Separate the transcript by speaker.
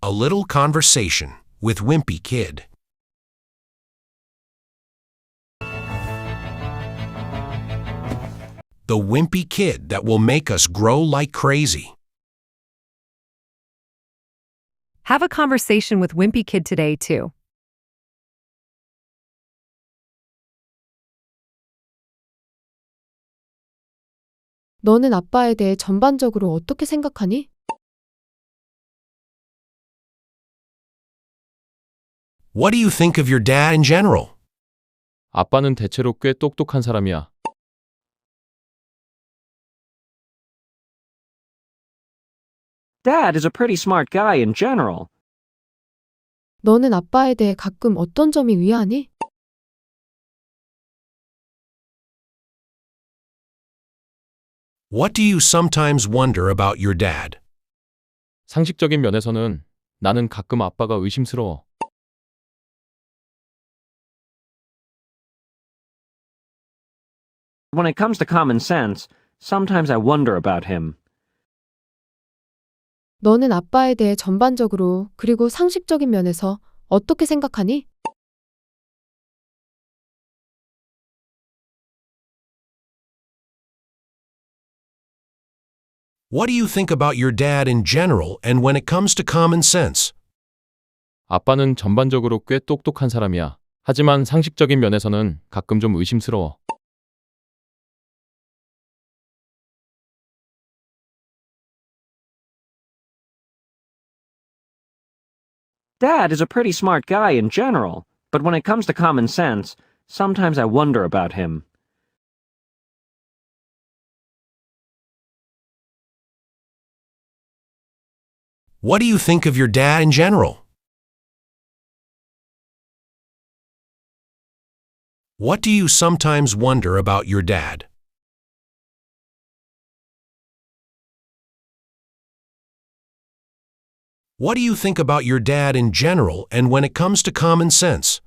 Speaker 1: A little conversation with Wimpy Kid. The wimpy kid that will make us grow like crazy.
Speaker 2: Have a conversation with Wimpy Kid today, too.
Speaker 3: 너는 아빠에 대해 전반적으로 어떻게 생각하니?
Speaker 1: What do you think of your dad in general?
Speaker 4: 아빠는 대체로 꽤 똑똑한 사람이야.
Speaker 5: Dad is a pretty smart guy in general.
Speaker 3: 너는 아빠에 대해 가끔 어떤 점이 의아하니?
Speaker 1: What do you sometimes wonder about your dad?
Speaker 4: 상식적인 면에서는 나는 가끔 아빠가 의심스러워.
Speaker 5: When it comes to common sense, sometimes I wonder about him.
Speaker 3: 너는 아빠에 대해 전반적으로 그리고 상식적인 면에서 어떻게 생각하니?
Speaker 1: What do you think about your dad in general and when it comes to common sense?
Speaker 4: 아빠는 전반적으로 꽤 똑똑한 사람이야. 하지만 상식적인 면에서는 가끔 좀 의심스러워.
Speaker 5: Dad is a pretty smart guy in general, but when it comes to common sense, sometimes I wonder about him.
Speaker 1: What do you think of your dad in general? What do you sometimes wonder about your dad? What do you think about your dad in general and when it comes to common sense?